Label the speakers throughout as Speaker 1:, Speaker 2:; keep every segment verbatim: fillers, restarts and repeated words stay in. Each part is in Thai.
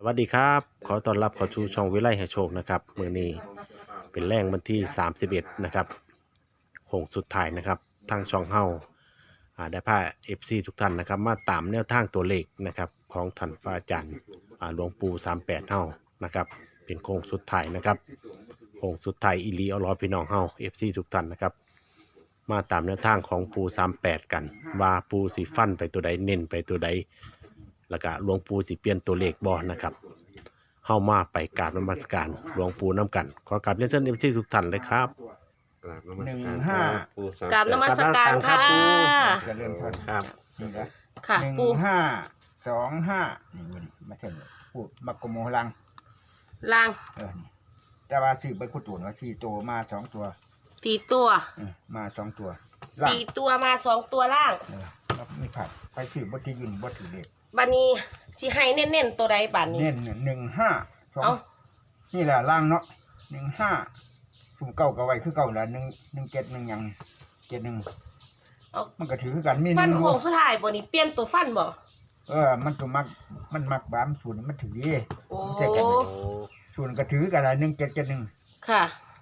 Speaker 1: สวัสดีครับขอต้อนรับเข้าสู่ช่องวิไลให้โชคนะครับมื้อนี้เป็นแรงวันที่สามสิบเอ็ดนะครับโค้งสุดท้ายนะครับทางช่องเฮาอ่าได้พา เอฟ ซี ทุกท่านนะครับมาตามแนวทางตัวเลขนะครับของท่านพระอาจารย์อ่าหลวงปู่สามสิบแปดเฮานะครับเป็นโค้งสุดท้ายนะครับโค้งสุดท้ายอีหลีเอาล้อพี่น้องเฮา เอฟ ซี ทุกท่านนะครับมาตามแนวทางของปู่สามสิบแปดกันว่าปู่สิฟันไปตัวใดเน้นไปตัวใดแล้วก็หลวงปู่สิเปลี่ยนตัวเลขบ่นะครับเข้ามาไปกราบนมัสการหลวงปู่น้ำกันขอกราบเรียนเชิญเอฟซีทุกท่านเลยครับ
Speaker 2: กราบนมัส
Speaker 3: หนึ่ง
Speaker 2: การ
Speaker 3: ห้า
Speaker 2: ครับปู่สาม
Speaker 4: กราบนมัสการค่ะ
Speaker 3: เจะเริ่มต้น
Speaker 1: ครับ
Speaker 3: นี่นะ
Speaker 4: ค่ะ
Speaker 3: หนึ่ง
Speaker 4: ปู
Speaker 3: ห้าสองห้านี่มันมาเช่นพูดมักกะโมลัง
Speaker 4: ล่าง
Speaker 3: เออนี่แต่ว่าสี่ใบคุตุนว่าสี่ตัวมาสองตัว
Speaker 4: สี่ตัว
Speaker 3: เออมาสองตัวล่าง
Speaker 4: สี่ตัวมาสองตัวล่าง
Speaker 3: เออแล้วไม่ขาดไปสื่อบัตรยืนบัตรเด็ก
Speaker 4: บันนี้สิให้เน้นๆตัวใดบันนี้
Speaker 3: เน้นหนึ่งห้าสอง
Speaker 4: เอา
Speaker 3: นี่แหละล่างเนาะหนึ่งห้าสุ่มเก้ากับไว้คือเก้าละหนึ่งหนึ่งเจ็ดหนึ่งหยังเจ็ดหนึ่ง
Speaker 4: เอา
Speaker 3: มันก็ถือคือกันมีห
Speaker 4: ฟัน
Speaker 3: นึ่ง
Speaker 4: โค้งสุดท้ายบ่นี้เปลี่ยนตัวฟันบ่
Speaker 3: เออมันตัวมักมันมักบามสูตรมันถือดี
Speaker 4: โอ้
Speaker 3: เจ็ดกัน ส่วนกระถือกันละหนึ่งเจ็ดเจ็ดหนึ่ง
Speaker 4: ค่ะ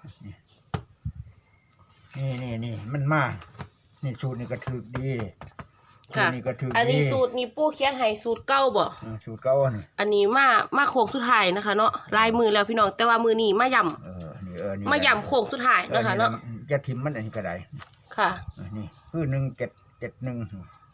Speaker 3: นี่นี่นี่มันมา นี่สูตรนี่กระถือดีสูต
Speaker 4: ค่ะ
Speaker 3: รนี่กระถือ
Speaker 4: อัน
Speaker 3: ดี
Speaker 4: นี้สูตรนี้ปูเขียนให้สูตรเก้าบ่
Speaker 3: เออสูตรเก่านี่
Speaker 4: อันนี้มามาโค้งสุดท้ายนะคะเนาะลายมือแล้วพี่น้องแต่ว่ามือนี้มาย่
Speaker 3: เออนี่เออนี่
Speaker 4: ำมาย่ำโค้งสุดท้ายนะคะเนาะ
Speaker 3: ออจะทิมมันอันนี้ก็ได้
Speaker 4: ค่ะ
Speaker 3: เออนี่คือหนึ่งเจ็ดเจ็ดหนึ่ง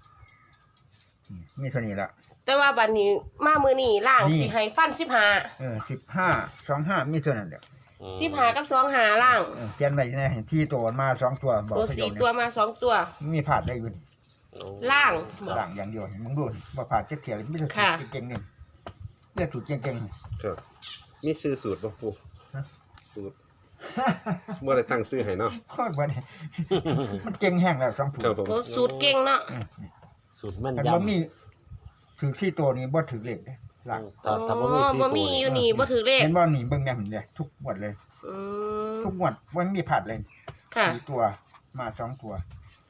Speaker 3: นี่เท่านี้ละ
Speaker 4: แต่ว่าบันนี้มามือนี้ล่าง
Speaker 3: นี่
Speaker 4: สิให้ฟันสิบห้า
Speaker 3: เออสิบห้าสองห้ามีเท่านั้นเดียว
Speaker 4: สิบห้ากับสองหาล่าง
Speaker 3: เออเขียนไว้ในที่ตัวมาสองตัวบอก
Speaker 4: ตัว
Speaker 3: ประโย
Speaker 4: สี่
Speaker 3: ค
Speaker 4: ตัว
Speaker 3: นี้
Speaker 4: มาสองตัว
Speaker 3: มีผาดได้อยู่นี่
Speaker 4: ล่างบ่
Speaker 3: หลังอย่างเดียวนี่มึงดูนี่บ่ผาดเจ็ดเขียวไม่ใช่สู
Speaker 4: ค่ะ
Speaker 3: ตรเก่งๆนี่เรียกสูตรเก่งๆ
Speaker 2: ครับมีซื้อสูตรป่ะปู่
Speaker 3: ฮะ
Speaker 2: สูตรเมื่อไรตั้งซื้อให้เนาะ
Speaker 3: โคตรบ่ได้ มันเก่งแห้งแล้วสองผู้
Speaker 2: ครับผม
Speaker 4: โอ้สูตรเก่งเนาะ
Speaker 3: อืม
Speaker 1: สูตรแม่น
Speaker 3: แต่
Speaker 1: ย
Speaker 3: บ่มีถือที่ตัวนี้บ่ถือเลขเด้หลัง
Speaker 1: ำถ้าถ้าบ่
Speaker 4: อ๋
Speaker 1: มี
Speaker 4: อ
Speaker 1: สี่
Speaker 4: บ่
Speaker 1: ตัว
Speaker 4: มีอ
Speaker 1: นี่
Speaker 4: ยู่นี่บ่ถือเลข
Speaker 3: เห็นบ่นี่เบิ่งแม่นเลยทุกงวดเลย
Speaker 4: อืม
Speaker 3: ทุกงวดบ่มีผาดเลย
Speaker 4: ค่ะ
Speaker 3: สี่ตัวมาสองตัว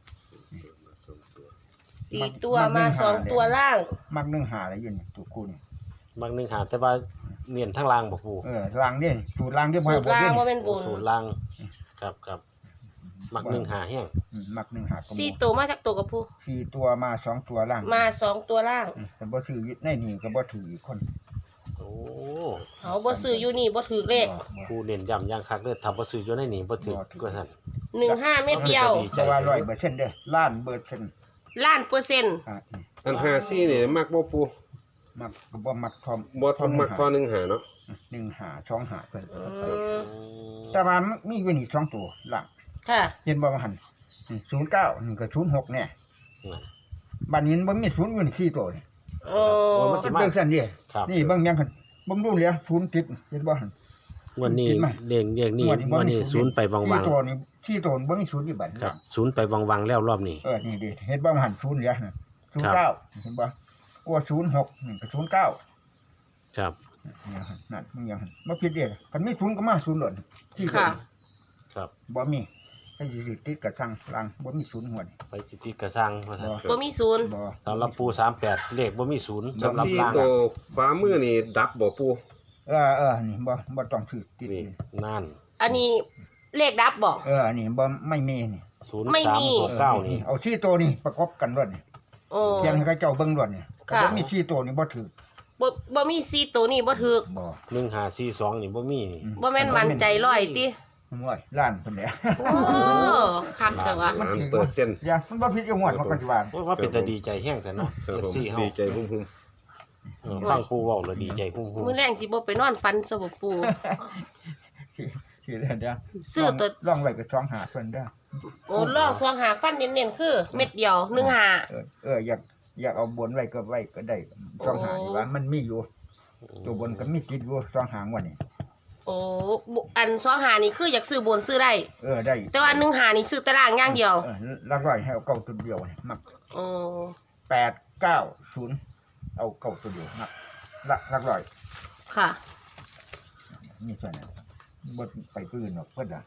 Speaker 4: สี่ตัวมาสองตัวล่าง
Speaker 3: มักหนึ่งหาอะไรอยู่นี่ตัวกูนี่
Speaker 1: บางหนึงหาแต่ว่าเนียนทั้งล่างบ่ปู่
Speaker 3: เออล่างเด้สูตรล่างเด้บ่
Speaker 4: สู
Speaker 3: ให้
Speaker 4: ตร
Speaker 3: บ่
Speaker 4: ล่า
Speaker 3: เด้
Speaker 4: งว่าเป็นบุญ
Speaker 1: สูตรล่างครับครับมักหนึ่งหาแห้ง
Speaker 3: อืมมักหนึ่งหาก็มี
Speaker 4: สี่ตัวมาจากตัวกับผู้
Speaker 3: สี่ตัวมาสองตัวล่าง
Speaker 4: มาสองตัวล่าง
Speaker 3: อืมแต่บ่ถือในนี่ก็บ่ถืออีกคน
Speaker 1: โอ้
Speaker 4: เขาบ่ซื้ออยู่นี่บ่ถือเลข
Speaker 3: บ่บ่
Speaker 1: ผู้เน้นย้ำอย่างคักเลยถ้าบ่ซื้ออยู่ในนี่บ่ถือก็ซั่น
Speaker 4: หนึ่งห้าเม็ดเดียว
Speaker 3: แต่ว่าร้อยเปอร์เซ็นต์เด้อล้านเปอร์เซ็นต์
Speaker 4: ล้านเปอร์เซ็นต์
Speaker 3: อ่ะนี่
Speaker 2: อันหาซี่นี่มักบ่ปู่
Speaker 3: มักก็บ่มักทอม
Speaker 2: บ่ทำมักพอหนึ่งหาเนาะ
Speaker 3: หนึ่งหาสองหาเพิ่น
Speaker 4: อืม
Speaker 3: แต่ว่ามันมีอยู่นี่สองตัวหลัง
Speaker 4: ค่ะ
Speaker 3: เห็นบ่ว่าหั่นศูนย์เก้านี่ก็ศูนย์หกเนี่ย
Speaker 1: นั่น
Speaker 3: บัดนี้บ่มีศูนย์อยู่นี่สี่ตัวนี่
Speaker 4: โอ้
Speaker 1: โอ้มันสิ
Speaker 3: เบิ่งซั่นดิ
Speaker 1: ครับ
Speaker 3: นี่เบิ่งยังหั่นบ่รู้เหลือศูนย์ติดเห็นบ่หั่น
Speaker 1: งวันนี้เรียงเรียงนี่
Speaker 3: งวดนี้บ่
Speaker 1: วัน
Speaker 3: มี
Speaker 1: นี้
Speaker 3: ศู
Speaker 1: ศู
Speaker 3: น
Speaker 1: น
Speaker 3: ย์
Speaker 1: ย์ไปวังวัง
Speaker 3: สี่ตัวนี่สี่ตัวบ่มีศูนย์อยู่บัด
Speaker 1: ครับศูนย์ไปวังวังแล้วรอบนี้
Speaker 3: เออนี่ดิเห็นบ่ว่าหั่นศูนย์เหลือน่ะศูนย์เก้าเห็นบ่กลัวศูนย์หกนี่ก็ศูนย์เก้า
Speaker 1: ครับ
Speaker 3: เนี่ยหั่นนั่นมึงยังหั่นบ่ผิดเด้คันมีศูนย์ก็มาศูนย์หล่นที่ตัว
Speaker 4: ค่ะ
Speaker 1: ครับ
Speaker 3: บ่มีให้อยู่ติดกับทางหลังบ่มีศูนย์หัวนี่
Speaker 1: ไปสิติกระสร้างว่าซั่น
Speaker 4: บ่มีศูนย์
Speaker 3: บ่
Speaker 1: สำหรับปูสามแปดเลขบ่มีศูนย์สำหรับ
Speaker 2: ซี่
Speaker 1: ล่าง
Speaker 2: ตัวฟ้ามือนี่ดับบ่ปู่
Speaker 3: เออเออนี่บ่บ่ต้องถือติด
Speaker 1: นี่
Speaker 3: นี่
Speaker 1: นั่น
Speaker 4: อันนี้เลขดับบ่
Speaker 3: เออนี่บ่ไม่มีนี่
Speaker 1: ศูนย์
Speaker 4: ไม่
Speaker 1: สาม
Speaker 4: มี
Speaker 1: หกเก้านี่
Speaker 3: เอาสี่ตัวนี่ประกอบกันรถนี่
Speaker 4: โอ้
Speaker 3: เขียนให้เขาเจ้าเบิ่งรถนี่
Speaker 4: ค่ะ
Speaker 3: ถ้าบ่มีสี่ตัวนี่บ่ถือ
Speaker 4: บ่บ่มีสี่ตัวนี่บ่ถือ
Speaker 3: บ่
Speaker 1: หนึ่งห้าสี่สองนี่บ่มีนี่
Speaker 3: อื
Speaker 4: บ่แม่นมั่นใจร้อยติ
Speaker 3: มันว่าล้านเพิ่นแหละ
Speaker 4: โอ้คักเถอะวะ
Speaker 2: ล้านเปอร์เซ็นต์
Speaker 3: อย่ามันบ่ผิดจังหวัดมันก็สิว่า
Speaker 1: โอ้ยว่าเป็นแต่ดีใจแห้งแต่เนาะ
Speaker 2: ครับ
Speaker 1: เอ
Speaker 2: ผม
Speaker 1: ฟซีเฮา
Speaker 2: ดีใจหุ่ม
Speaker 1: เออฟังปูเว้าแล้วดีใจหุ่ม
Speaker 4: มื้อแรงสิบ่ไปนอนฝันซะบ่ปู่
Speaker 3: สิเด้อเด้อ
Speaker 4: ซื้อตัว
Speaker 3: ลองไว้ก็สองหาเพิ่นเด้อ
Speaker 4: โอ้ลองซองหาฟันเน้นๆคือ เม็ดเดียวหนึ่งหา
Speaker 3: เออเอออยากอยากเอาบนไว้ก็ไว้ก็ได้สองหานี่ว่ามันมีอยู่
Speaker 1: ๆ
Speaker 3: ตัวบนก็มีติดอยู่สองหางวันนี้
Speaker 4: โอ้บุอันซองหานี่คืออยากซื้อบนซื้อได้
Speaker 3: เออได้
Speaker 4: แต่ว่าหนึ่งหานี่ซื้อตารางอย่างเดียว
Speaker 3: เออลักร้อยให้เอาเก้าตัวเดียวนี่มัก
Speaker 4: โอ้
Speaker 3: แปดเก้าศูนย์เอาเก้าตัวเดียวมักละลักร้อย
Speaker 4: ค่ะ
Speaker 3: มีส่วนนั้นบดไปปืนหรอกเพื่อนอ่ะ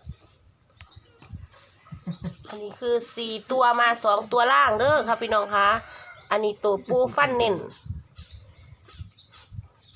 Speaker 4: อันนี้คือสี่ตัวมาสองตัวล่างเด้อค่ะพี่น้องคะอันนี้ตัวปูฟันเน้นเป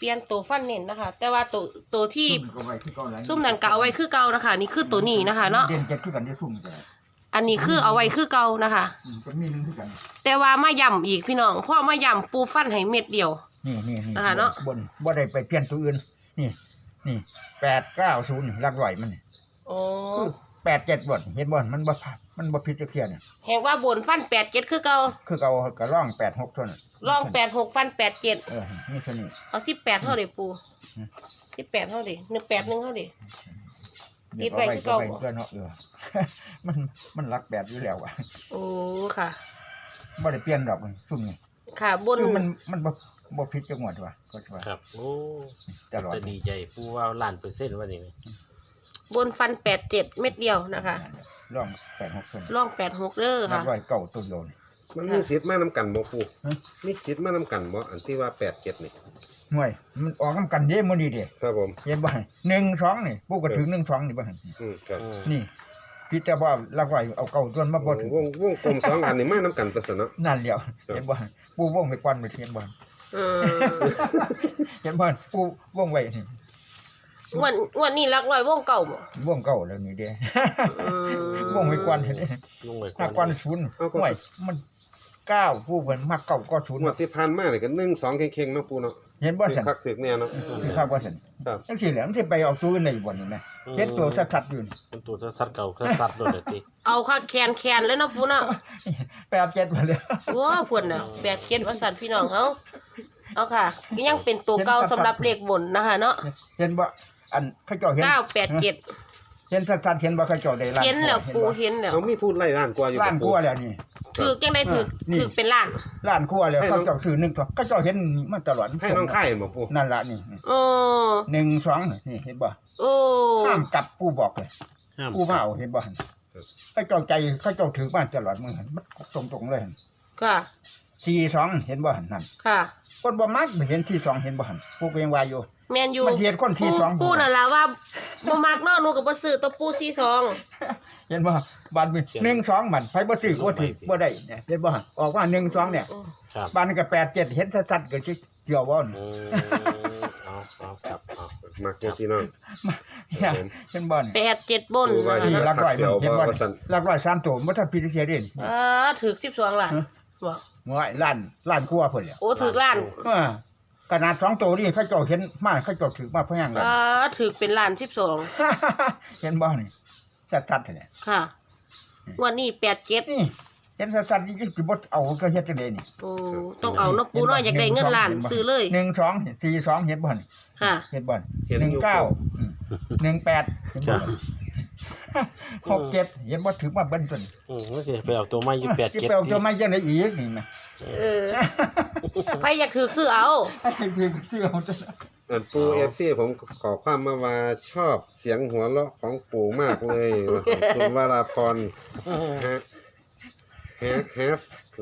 Speaker 4: ลี่ยนตัวฟันเน้นนะคะ แต่ว่าตัวตัวที่
Speaker 3: ซุ่มก็ไว้คือเก่าแล้ว
Speaker 4: ซุ่มนั่นก็เอาไว้คือเก่านะคะ นี่คือตัวนี้นะคะ เนาะ
Speaker 3: เด่นเจ็ดคือกันที่ซุ่มก็ได้
Speaker 4: อันนี้คือเอาไว้คือเก่านะคะ
Speaker 3: อืมก็มีหนึงคือกัน
Speaker 4: แต่ว่ามาย่ำอีกพี่น้องเพราะมาย่ำปูฟันให้เม็ดเดียว
Speaker 3: นี่นี่นี่
Speaker 4: นะคะเนาะ
Speaker 3: บนบ่ได้ไปเปลี่ยนตัวอื่นนี่นี่แปดเก้าศูนย์หลักร้อยมันนี่
Speaker 4: โอ้
Speaker 3: แปดเจ็ดบนเห็นบ่มันบ่พลาดมันบ่ผิดจักเที่ยเนี่ย
Speaker 4: แหงว่าบนฟันแปดเจ็ดคือเก่า
Speaker 3: คือเอากระร่องแปดหกเท่านั้น
Speaker 4: ลองแปดหกฟันแปดเจ็ด
Speaker 3: เออนี่เท่านี้
Speaker 4: เอาสิบแปดเท่าเดิปู
Speaker 3: อืม
Speaker 4: สิบแปดเท่าเดิหนึ่งแปดหนึ่งเท่าเดิ
Speaker 3: เดี๋ยว
Speaker 4: คิดไว้
Speaker 3: เอา
Speaker 4: คือเก่า
Speaker 3: ไว้ก็เนาะเอ อ มันมันรักแบบอยู่แล้วอ่ะ
Speaker 4: โอ้ค่ะ
Speaker 3: บ่ได้เปลี่ยนดอกมันซุ่มนี่
Speaker 4: ค่ะบน
Speaker 3: คือมันมันบ่บ่ผิดจังหวัดว่ะก็ว่า
Speaker 1: ครับโอ้
Speaker 3: ตลอด
Speaker 1: จะดีใจผู้ว่าล้านเปอร์เซ็นต์ว่านี่
Speaker 4: บนฟันแปดเจ็ดเม็ดเดียวนะคะ
Speaker 3: ร่องแปดหกเท่านั้น
Speaker 4: ลองแปดหกเด้อ
Speaker 3: รั
Speaker 4: ค่ะ
Speaker 3: กร้อยเก่าตัวเดียวนี่
Speaker 2: มันมีสิทธิ์มานํกันบ่ปู
Speaker 3: ฮะ
Speaker 2: มีสิทธิ์มานํกันบ่อันที่ว่าแปดเจ็ดนี่
Speaker 3: ห่วยมันออกนำกันเด้มื้อนี้เด้
Speaker 2: ครับผม
Speaker 3: เห็นบ่หนึ่งสองนี่ปูก็ถึงหนึ่งสองนี่บ่หั่น
Speaker 2: อืมครับ
Speaker 3: นี่พี่แต่ว่ารักร้อยเอาเก่าตัวมาบ่ถึง
Speaker 2: วงวงกลมสองอันนี่มานํกันตัวซะเนาะ
Speaker 3: นั่นแหล้วเห็นบ่ปูวงไปก่อนไปเห็นบ่
Speaker 4: อืม
Speaker 3: เห็นบ่ปูวงไว้นี่
Speaker 4: งวันงวันนี้รักร้อยวงเก่าบ่
Speaker 3: วงเก่าแล้วนี่เด้
Speaker 4: อืม
Speaker 3: วงไปก่อนเห็นเด้
Speaker 1: ลงไป
Speaker 3: ถ้าก่อนศูนย์ห่วยมันเก้าผู้เพิ่นมักเก่าก็ศูนย์
Speaker 2: งวดที่ผ่านมานี่ก็หนึ่งสองเข่งๆเนาะปูเนาะ
Speaker 3: เห็นบ่ซั่น
Speaker 2: คักถึกแน่เนาะ
Speaker 3: คือครับบ่ซั่น
Speaker 2: ครับ
Speaker 3: จังซี่แหละมันสิไปเอาตัวอื่นได้บ่นี่แม่เฮ็ดตัวชัดๆอยู่นี่
Speaker 1: เป็นตัวสัตว์เก่าก็สัตว์โดนเลยติ
Speaker 4: เอาค่ะแคนแคนเลยเนาะปูเนาะ
Speaker 3: แปดเจ็ดมาเลย
Speaker 4: โอ้พุ่นน่ะแปดเจ็ดว่าสันพี่น้องเฮาเอาค่ะยังเป็นตัวเก่าสำหรับเลขบนนะคะเนาะ
Speaker 3: เห็นบ่อันเขาเจ้าเห็น
Speaker 4: เก้าแปดเจ็ด
Speaker 3: เห็นชัดๆเห็นบ่เขาเจ้าได้ล้าน
Speaker 4: เห็นแล้วปูเห็นแล้ว
Speaker 2: เขามีพูดไล่ล้านกว่าอยู่
Speaker 3: ล้าน
Speaker 2: กับ
Speaker 3: ก
Speaker 2: ปู
Speaker 3: ว่าแล้วนี่
Speaker 4: ถือจังได้ถือ
Speaker 3: นี่
Speaker 4: ถือเป็นล้าน
Speaker 3: ล้านกว่าแล้วเขาเจ้าซื้อหนึ่งตัวเขาเจ้าเห็นมาตลอด
Speaker 2: ให้น้องค่ายเห็นบ่ปู
Speaker 3: นั่นล่ะนี่
Speaker 4: โอ้
Speaker 3: หนึ่งสองนี่เห็นบ่
Speaker 4: โอ้
Speaker 3: ห้ามกลับปูบอกเลย
Speaker 1: ห้าม
Speaker 3: ปูมาเอาเห็นบ่หั่นเขาเจ้าใจเขาเจ้าถือมาตลอดมื้อหั่นมันตรงๆเลยหั่น
Speaker 4: ค่ะ
Speaker 3: สี่สองเห็นบ่หั่นนั่น
Speaker 4: ค่ะ
Speaker 3: คนบ่มักเห็นสี่สองเห็นบ่หั่นปูก็ยังว่าอยู่
Speaker 4: แมนยู
Speaker 3: มันเห็นคน
Speaker 4: ปู
Speaker 3: สี่สอง
Speaker 4: ปูนั่นล่ะว่าบ่มักเนาะหนูก็บ่ซื้อตัวปูสี่สอง
Speaker 3: เห็นบ่บานมีหนึ่งสองมันไผบ่ซื้อบ่ถือบ่ได้เนี่ยเห็นบ่ออกว่าหนึ่งสองเนี่ย
Speaker 1: ครับ
Speaker 3: บานก็แปดเจ็ดเห็นชัดๆก็สิเกี่ยวบ่
Speaker 1: อืมเอาเอาครับเอา
Speaker 2: มักอยู่พี่น้อง
Speaker 3: เนี่ยเห็นบ่นี่
Speaker 4: แปดเจ็ดบน
Speaker 2: ปูว่า
Speaker 4: นะ
Speaker 2: อยู่
Speaker 3: นี่
Speaker 4: คะ
Speaker 3: ลักร้อย
Speaker 2: เสี่ยว
Speaker 3: เห็นบ่
Speaker 2: บ่ว่าซั่น
Speaker 3: ลักร้อยสามตัวบ่ทันพิจารณาเด่น
Speaker 4: เออถือสิบสองล้านบ่
Speaker 3: หวยล้านล้านกว่าพุ่นแหละ
Speaker 4: โอ้ถือล้าน
Speaker 3: เออขนาดสองตัวนี่เขาเจ้าเห็นมาเขาเจ้าถือมาเพิ่นยังเล
Speaker 4: เอย อถือเป็นล้านสิบสอง
Speaker 3: เห็นบ่นี่ชัดๆเนี่ย
Speaker 4: ค่ะงวันนี้แปดเจ็ด
Speaker 3: นี่เห็นชัดๆนี่สิบ่เอาก็เฮ็ดจังได๋นี่
Speaker 4: โอ้ต้องเอาเนาะปูเนาะอยากได้เงินล้านซื้อเลย
Speaker 3: หนึ่งสองสี่สองเห็นบ่นี่
Speaker 4: ค่ะ
Speaker 3: เห็นบ่
Speaker 2: เห็น
Speaker 3: หนึ่ง
Speaker 2: อยู่
Speaker 3: เก้าหนึ่งแปดเห็นบ่หกเจ็ดเห็นบ่ถือมาเบิ้ลต้น
Speaker 1: อืมมันสิไปเอาตัวไม้อยู่แปด
Speaker 3: ที่
Speaker 1: เจ็ด
Speaker 3: ไปเอาตัวไม้ยังไงอีกนี่แม่
Speaker 4: เออใครอยากถือซื้อเอา
Speaker 3: ให้ซื้อซื้อเอาตัว
Speaker 2: อันปู เอฟ ซี ผมขอความมาว่าชอบเสียงหัวเราะของปู่มากเลยว่าคุณวราพรฮะแฮะแฮส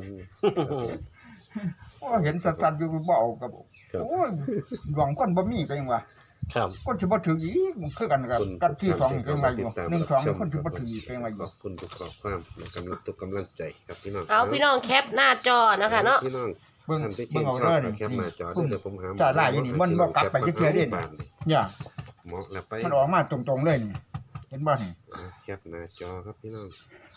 Speaker 3: โอ้เห็นสัตว์อยู่บ่เอากับโอ้ยหวังคนบ่มีก็ยังว่า
Speaker 1: ครับ
Speaker 3: คนสิบ่ถืออีกมันคือกันกับกันที่สองก็ยังว่าอยู่หนึ่งสองคนสิบ่ถืออีกก็ยังว่าอ
Speaker 2: ข
Speaker 3: ยู่
Speaker 2: อบคุณทุกข้อความและกำลังทุกกำลังใจครับพี่น้อง
Speaker 4: เอาพี่น้องแคปหน้าจอนะคะเนาะ
Speaker 2: พี่น้อง
Speaker 3: เบิ่ง
Speaker 2: ท่านที่
Speaker 3: เบิ่
Speaker 2: เก่
Speaker 3: ง
Speaker 2: ง
Speaker 3: เอา
Speaker 2: ชอบ
Speaker 3: เด้อ
Speaker 2: ก็
Speaker 3: นี่
Speaker 2: แคปหน้าจอเดี๋ยวผมหา
Speaker 3: จ่าได้อยู่นี่มันบ่กลับไปจักเทื่อเด้
Speaker 2: บาทนี่
Speaker 3: เนี่ย
Speaker 2: เหมาะแล้วไป
Speaker 3: มันออกมาตรงๆเลยนี่เห็นบ่นี่
Speaker 2: อ่ะแคปหน้าจอครับพี่น้อง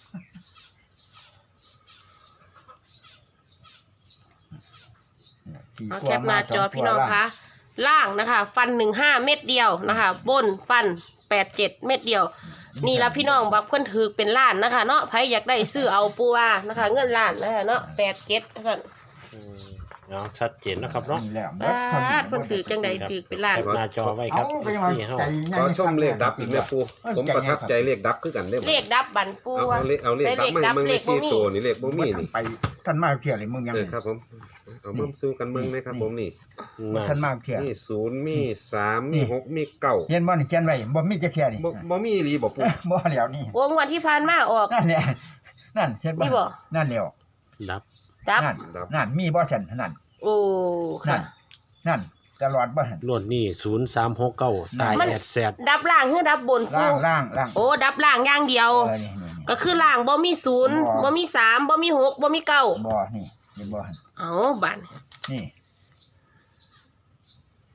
Speaker 4: เอาแคปหน้าจอพี่น้องคะล่างนะคะ ฟันหนึ่งห้าเม็ดเดียวนะคะ บนฟันแปดเจ็ดเม็ดเดียว นี่ละพี่น้องบักเพิ่นถือเป็นล้านนะคะ เนาะใครอยากได้ซื้อเอาปูว่านะคะ เงินล้านนะคะเนาะแปดเจ็ดค่ะ
Speaker 1: อืมเอาชัดเจนนะครับเนาะ
Speaker 3: แล้ว
Speaker 4: บ้าดเพิ่นถือจังใดถือเป็นล้าน
Speaker 1: แคปหน้าจอไว้ครับ
Speaker 3: เอาไป
Speaker 1: เอฟ
Speaker 3: ว่า
Speaker 1: ซีเฮา
Speaker 3: ใจ
Speaker 2: ขอชมเลขดับอีกแล้วปูผมประทับใจเลขดับคือกันได้บ่
Speaker 4: เลขดับบันปู
Speaker 2: เอา
Speaker 4: ว่า
Speaker 2: เอาเลขเอาเลข
Speaker 4: ใส่
Speaker 2: ดับมาให้มึง
Speaker 4: เล
Speaker 2: ใน
Speaker 4: ขดับ
Speaker 2: สี่ตัวนี่เลขบ่มีนี่
Speaker 3: ไปท่านมาเที่ยวเลยมึงยัง
Speaker 2: เออครับผมเอามาสู้กันมึงเลยครับผมนี่
Speaker 1: นั่น
Speaker 3: ท่านมาเที่ยว
Speaker 2: มีศูนย์มีสามมีหกมีเก้า
Speaker 3: เห็นบ่นี่เขียนไว้บ่มีจะเที่ยวนี่
Speaker 2: บ่บ่มีอีหลีบ่ปู
Speaker 3: บ่แล้วนี่
Speaker 4: วงวันที่ผ่านมาออก
Speaker 3: นั่นแหละนั่นเห็นบ่
Speaker 4: นี่บ่
Speaker 3: นั่นแล้ว
Speaker 1: ดับ
Speaker 4: ดับ
Speaker 3: นั่นนั่นมีบ่ซั่นนั่น
Speaker 4: โอ้
Speaker 3: นั่
Speaker 4: ค่ะ
Speaker 3: นนั่นตลอดบ่หั่น
Speaker 1: รวดนี่ศูนย์สามหกเก้าตาย
Speaker 4: มัน
Speaker 1: แอดแซด
Speaker 4: ดับล่างหรือดับบนปู
Speaker 3: ล่างล่างล่าง
Speaker 4: โอ้ดับล่างอย่างเดียว
Speaker 3: เออนี่นี่
Speaker 4: ก็คือล่างบ่มีศูนย์
Speaker 3: บ่
Speaker 4: บ่มีสามบ่มีหกบ่มีเก้า
Speaker 3: บ่นี่เห็นบ่หั่น
Speaker 4: เอาบัน
Speaker 3: นี่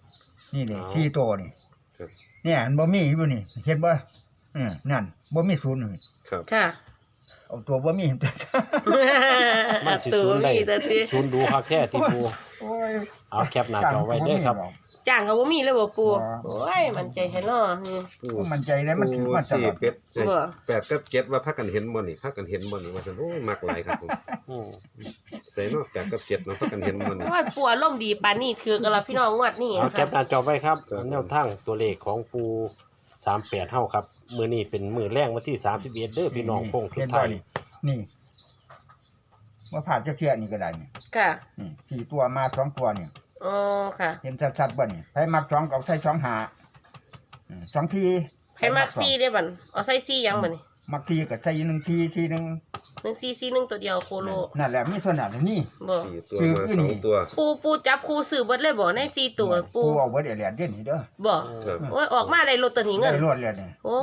Speaker 3: นี่นี่
Speaker 1: อ๋อ
Speaker 3: ที่ตัวนี่
Speaker 2: ครับ
Speaker 3: เนี่ยอันบ่มีอยู่นี่เห็นบ่อืมนั่นบ่มีศูนย์นี่
Speaker 2: ครับ
Speaker 4: ค่ะ
Speaker 3: เอาตัวบ่มี
Speaker 1: มันสิ
Speaker 4: ตัว
Speaker 1: ศูนย์ได้
Speaker 4: มีแต่ติ
Speaker 1: ศูนย์ดูคักแท้ที่ปู
Speaker 3: โอ้ย
Speaker 1: เอาแคปหน้าจอไว้เด้อครับ
Speaker 4: จ้างก็บ่มีเลยบ่ปู
Speaker 3: บ่
Speaker 4: โอ้ยมันใจแท้เนาะอืม
Speaker 2: ปู
Speaker 3: ก็มันใจได้มันถือมาต
Speaker 2: สี่
Speaker 3: ลอด
Speaker 2: เป็ด
Speaker 4: บ่
Speaker 2: แปดกับเจ็ดว่าพักกันเห็นบ่นี่พักกันเห็นบ่นี่ว่าซั่นโอ้ยมักหลายครับผม
Speaker 1: อืม
Speaker 2: ใส่เนาะแปดกับเจ็ดเนาะพักกันเห็นบ่นี่
Speaker 4: โอ้ยปูอารมณ์ดีปานนี้ถือกันละพี่น้องงวดนี้
Speaker 1: เอา
Speaker 4: นะ
Speaker 1: แค
Speaker 4: คะ
Speaker 1: ปหน้าจอไว้ครับ
Speaker 2: ครับ
Speaker 1: แนวทางตัวเลขของปูสามแปดเท่าครับมื้อนี้เป็นมื้อแรกวันที่สามสิบเอ็ดเด้อพี่น้องโค้งสุดท้าย
Speaker 3: นี่ว่าผ่านจะเพียนี่ก็ได้นี่
Speaker 4: ค่ะ
Speaker 3: นี่สี่ตัวมาสองตัวนี่
Speaker 4: อ๋อค่ะ
Speaker 3: เห็นชัดๆบ่นี่ใช้มักสองกับใช้สองหาอืมสองที
Speaker 4: ให้มักซี่ได้บัดเอาใส่ซี่ยังบัดนี่
Speaker 3: มักทีกับใช้หนึ่งทีทีหนึ่ง
Speaker 4: หนึ่งซี่ซี่หนึ่งตัวเดียวโคโล
Speaker 3: นั่นแหละมีส่วนนั้นนี่
Speaker 4: บ่
Speaker 2: สี่ตัวมาสองตัว
Speaker 4: ปูปูจับคู่ซื้อเบิดเลยบ่ในซี่ตัวปู
Speaker 3: ปูเอาไว้เดี๋ยวเหรียญเด่นนี่เด้อ
Speaker 4: บ่
Speaker 2: ครับ
Speaker 4: โอ้ยออกมาได้ลอตเตอรี่เงิน
Speaker 3: ได้รวดเลยนี่
Speaker 4: โอ้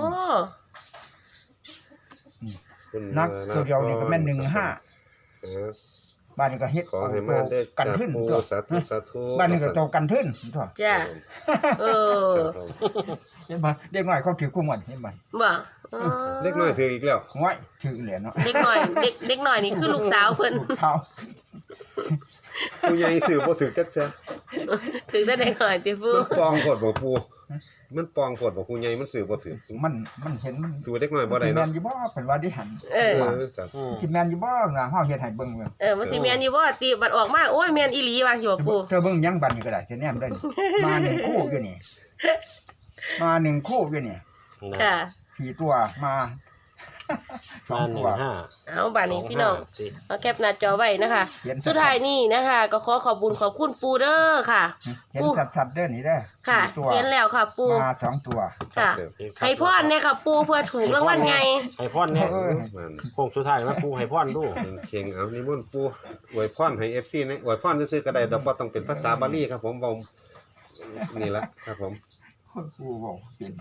Speaker 2: คุณ
Speaker 3: นักตัวเดียวนี่ก็แม่นหนึ่งห้า
Speaker 2: เออ
Speaker 3: บ้านนี้ก็เฮ็ด
Speaker 2: ขอให้มาได้
Speaker 3: กัน
Speaker 2: จาก
Speaker 3: ทึ้น
Speaker 2: ปู
Speaker 3: ตัว
Speaker 2: สาธุสาธุ
Speaker 3: บ้านนี้ก็โตกันทึ้นตัว
Speaker 4: จ้าเออ
Speaker 3: เห็นบ่เด็กน้อยเขาถือกุ้งมันเห็นบ่
Speaker 4: บ่อ๋อ
Speaker 2: เล็กน้อยถืออีกแล้ว
Speaker 3: ห้อยถือเหรียญเนาะ
Speaker 4: เด็กหน่อยเด็กเด็กหน่อยนี่คือลูกสาวเพิ่น
Speaker 3: ลูกเท้า
Speaker 2: ผู้ใหญ่ซื้อบ่ถือจักซะ
Speaker 4: ถึงได้เด็กหน่อยติปู
Speaker 2: มันปองโพดบ่ปูมันปองโพดบ่ผู้ใหญ่มันซื้อบ่ถือ
Speaker 3: มันมันเห็นมัน
Speaker 2: สู้เล็กน้อยบ่ได้
Speaker 3: สิแม่
Speaker 2: เนาะ
Speaker 3: นอยู่บ่เป็นว่าได้หัน
Speaker 4: เออ
Speaker 2: เออครับ
Speaker 1: อืม
Speaker 3: สิแม่นอยู่บ่งาเฮาเฮ็ดให้เบิ่งเว้ย
Speaker 4: เออมันสิแม่นอยู่บ่ติบัดออกมาโอ้ยแม่นอีหลีว่าสิบ่ปู
Speaker 3: เธอเบิ่งยังบัดนี้ก็ได้สิแนมได้นี่มาหนึ่งคู่อยู่นี่มาหนึ่งคู่อยู่นี่
Speaker 1: นะ
Speaker 4: ค่ะ
Speaker 3: สี่ตัวมาสอ
Speaker 1: มาง ห
Speaker 3: ตั
Speaker 1: นึ่
Speaker 3: ว
Speaker 1: งห้า
Speaker 4: เอาบัดนี้พี่น้อง
Speaker 1: สห้าสิ
Speaker 4: เอาแคปหน้าจอไว้นะคะ
Speaker 3: เขียน
Speaker 4: สุดท้ายนี่นะคะ ก็ขอขอบบุญขอบคุณปูเด้อค่ะ
Speaker 3: เห็นชัดๆเด้อนี่เด้อ
Speaker 4: ค่ะ
Speaker 3: สี่ตัว
Speaker 4: เห็นแล้วค่ะ ปู
Speaker 3: มาสองตัว
Speaker 4: ค่ะ ให้พรเนี่ยค่ะ ปูเพื่อถูกรางวัลไง
Speaker 1: ให้พรเนี่ย
Speaker 3: เออ
Speaker 2: มัน
Speaker 1: โค้งสุดท้ายมาปูให้พรดู
Speaker 2: มันเข่งเอานิมนต์ปู่อวยพรให้ เอฟ ซี นะอวยพรซื่อๆก็ได้ดอกบ่ต้องเป็นภาษาบาลีครับผมเว้านี่ละครับผม
Speaker 3: กูบอกเปลี่ยน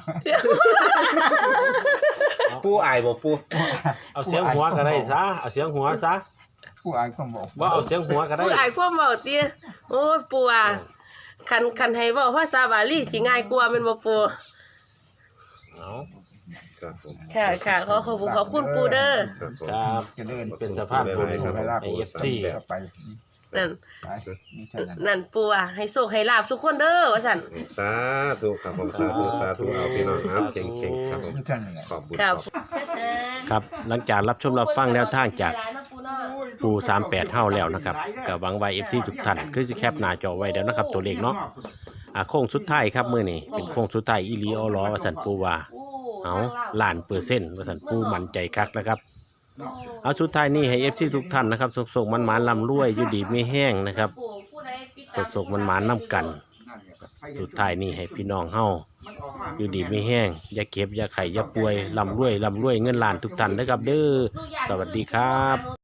Speaker 2: ปู่อายบ่ปู่
Speaker 1: เอาเสียงหัวก็ได้ซะเอาเสียงหัวซะ
Speaker 3: ผู้อายความบอก
Speaker 1: บ่เอาเสียงหัวก็ได้
Speaker 4: ผู้อายพวกเบาเตี้ยโอ้ยปูอ่ะคันคันให้เว้าภาษาบาลีสิง่ายกว่าแม่นบ่ปู
Speaker 1: เอา
Speaker 2: ครับผม
Speaker 4: ค่ะค่ะขอขอบคุณขอบคุณปูเด้อ
Speaker 2: ครับผม
Speaker 1: ครับ
Speaker 3: เจะเดิน
Speaker 1: เป็นสะพานบุญ
Speaker 2: ครับ
Speaker 3: เวลา
Speaker 1: ให้
Speaker 3: ไป
Speaker 1: เอฟซี
Speaker 3: ไป
Speaker 4: นั่น
Speaker 3: ไปนี่เท่านั้น
Speaker 4: นั่นปูอ่ะให้โชคให้ลาบทุกคนเด้อว่าซั่น
Speaker 2: สาธุครับผมสาธุสาธุเอาพี่น้องครับเข่งๆครับผม
Speaker 3: นี่เท่านั้นแหละ
Speaker 2: ขอบคุณ
Speaker 4: ครับ
Speaker 1: ครับหลังจากรับชมรับฟังแนวทางจากปูสามแปดเท่าแล้วนะครับก็หวังว่า เอฟ ซี ทุกท่านคือสิแคปหน้าจอไว้แล้วนะครับตัวเลขเนาะอ่าโค้งสุดท้ายครับมื้อนี้เป็นโค้งสุดท้ายอีหลีออล้อว่าซั่นปูว่าเอาล้านเปอร์เซ็นต์ว่าซั่นปูมั่นใจคักนะครับเอาสุดท้ายนี้ให้ เอฟ ซี ทุกท่านนะครับสุกๆมันๆร่ำรวยอยู่ดีไม่แห้งนะครับสุกๆมันๆนํกัน สุดท้ายนี้ให้พี่น้องเฮาอยู่ดีไม่แห้งอย่าเก็บอย่าไข่อย่าป่วยร่ำรวยร่ำรวยเงินล้านทุกท่านนะครับเด้อสวัสดีครับ